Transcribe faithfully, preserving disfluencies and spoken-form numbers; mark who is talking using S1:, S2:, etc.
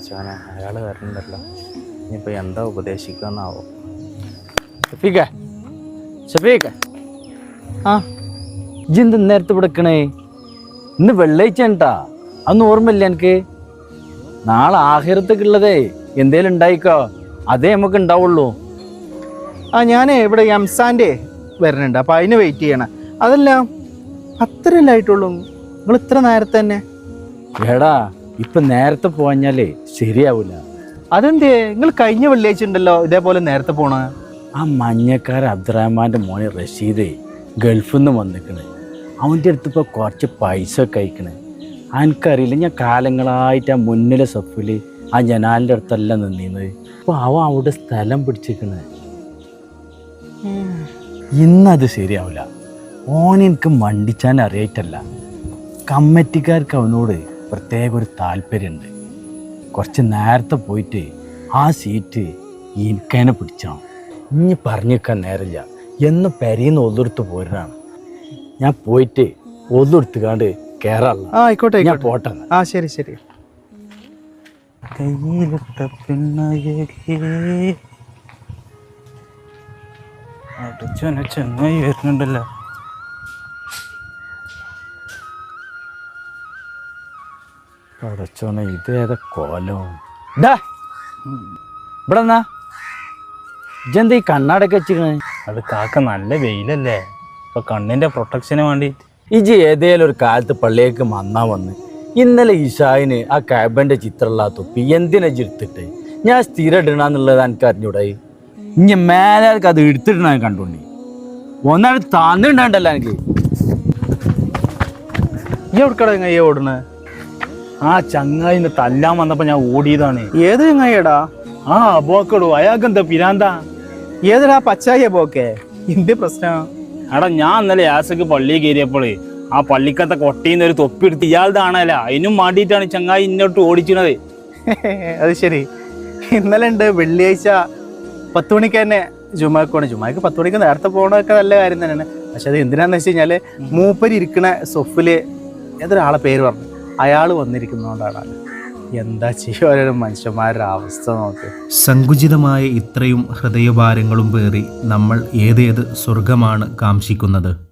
S1: പഠിച്ചാനോ അയാൾ വരണ്ടല്ലോ. ഇനിയിപ്പോൾ എന്താ ഉപദേശിക്കാന്നാവോ. ഷഫീഖ ഷഫീഖ ആ ഇജെന്ത് നേരത്തെ വിടക്കണേ? ഇന്ന് വെള്ളിയാഴ്ച ഉണ്ടാ, അതൊന്നും ഓർമ്മയില്ല എനിക്ക്. നാളെ ആഹിറത്തേക്കുള്ളതേ എന്തേലും ഉണ്ടായിക്കോ, അതേ നമുക്ക് ഉണ്ടാവുള്ളൂ.
S2: ആ ഞാൻ ഇവിടെ എംസാൻ്റെ വരുന്നുണ്ട്, അപ്പം അതിന് വെയിറ്റ് ചെയ്യണം. അതല്ല അത്രയല്ലേ ആയിട്ടുള്ളൂ, നിങ്ങൾ ഇത്ര നേരത്തെ തന്നെ?
S1: എടാ ഇപ്പം നേരത്തെ പോഞ്ഞാലേ ശരിയാവില്ല.
S2: അതെന്തേ? നിങ്ങൾ കഴിഞ്ഞ വെള്ളിയാഴ്ച ഉണ്ടല്ലോ ഇതേപോലെ നേരത്തെ പോണ.
S1: ആ മഞ്ഞക്കാരൻ അബ്ദുറഹ്മാൻ്റെ മോനെ റഷീദേ ഗൾഫിൽ നിന്ന് വന്നിക്കണേ. അവൻ്റെ അടുത്ത് ഇപ്പോൾ കുറച്ച് പൈസ ഒക്കെ അയക്കണേ. എനിക്കറിയില്ല, ഞാൻ കാലങ്ങളായിട്ട് ആ മുന്നിലെ സഫിൽ ആ ജനാലിൻ്റെ അടുത്തല്ല നിന്നിരുന്നത്. അപ്പോൾ അവൻ അവിടെ സ്ഥലം പിടിച്ചിരിക്കണേ. ഇന്നത് ശരിയാവില്ല. ഓൻ എനിക്ക് മണ്ടിച്ചാൻ അറിയായിട്ടല്ല, കമ്മിറ്റിക്കാർക്ക് അവനോട് പ്രത്യേക ഒരു താല്പര്യമുണ്ട്. കുറച്ച് നേരത്തെ പോയിട്ട് ആ സീറ്റ് എനിക്കതിനെ പിടിച്ചണം. ഇനി പറഞ്ഞു വെക്കാൻ നേരമില്ല, എന്ന് പെരീന്ന് ഒന്നെടുത്ത് പോരാണ്. ഞാൻ പോയിട്ട് ഒന്നെടുത്തുകാണ്ട് കയറാറില്ല.
S2: ആ ആയിക്കോട്ടെ,
S1: ഞാൻ പോട്ടെ.
S2: ആ ശരി ശരി.
S1: കയ്യിലിട്ട പിണ്ണ ചെങ്ങായി വരുന്നുണ്ടല്ലോ. പടച്ചോനെ ഇതേതാ കോലം. ഡാ ഇവിടെ എന്നാ ഇജെന്താ ഈ കണ്ണാടൊക്കെ വെച്ചിക്കണേ?
S3: അത് കാക്ക നല്ല വെയിലല്ലേ, ഇപ്പൊ കണ്ണിന്റെ പ്രൊട്ടക്ഷന് വേണ്ടി.
S1: ഇജ് ഏതേലും ഒരു കാലത്ത് പള്ളിയേക്ക് മന്നാ വന്ന് ഇന്നലെ ഇഷായിന് ആ കാബന്റെ ചിത്രമുള്ള ആ തൊപ്പി എന്തിനാ എടുത്തിട്ട് ഞാൻ സ്ഥിരം ഇടണമെന്നുള്ളത് എനിക്ക് അറിഞ്ഞൂടായി. ഇനി മേലേക്ക് അത് എടുത്തിടണ കണ്ടോണ്ടി ഒന്നാണ് താന്നിട്ടുണ്ടല്ലോ എനിക്ക്.
S2: ഈ എവിടെക്കട ചങ്ങായി ഓടണേ?
S3: ആ ചങ്ങായിന്ന് തല്ലാൻ വന്നപ്പോ ഞാൻ ഓടിയതാണ്.
S2: ഏത് ചങ്ങായിടാ?
S3: ആ പോക്കടൂ, അയാൾക്ക് എന്താ പിരാന്താ?
S2: ഏതൊരാ പച്ചായ പോക്കെ? എന്ത് പ്രശ്നം?
S3: എടാ ഞാൻ ഇന്നലെ യാസക്ക് പള്ളിയിൽ കയറിയപ്പോളേ ആ പള്ളിക്കത്തെ കൊട്ടയിന്ന് ഒരു തൊപ്പി എടുത്ത് ഇയാളുടെ ആണല്ല, അതിനും മാണ്ടിയിട്ടാണ് ചങ്ങായി ഇന്നോട്ട് ഓടിച്ചിണത്.
S2: അത് ശരി. ഇന്നലെ ഉണ്ട് വെള്ളിയാഴ്ച പത്ത് മണിക്ക് തന്നെ ജുമാക്ക് പോകണം. ജുമാക്ക് പത്ത് മണിക്ക് നേരത്തെ പോകണമൊക്കെ നല്ല കാര്യം തന്നെയാണ്. പക്ഷെ അത് എന്തിനാന്ന് വെച്ച് കഴിഞ്ഞാൽ മൂപ്പര് ഇരിക്കണ സൊഫില് ഏതൊരാളെ പേര് പറഞ്ഞു, അയാൾ വന്നിരിക്കുന്നതുകൊണ്ടാണ്. എന്താ ചെയ്യുക, ഓരോ മനുഷ്യന്മാരുടെ അവസ്ഥ നോക്ക്.
S4: സങ്കുചിതമായ ഇത്രയും ഹൃദയഭാരങ്ങളും പേറി നമ്മൾ ഏതേത് സ്വർഗമാണ് കാംക്ഷിക്കുന്നത്?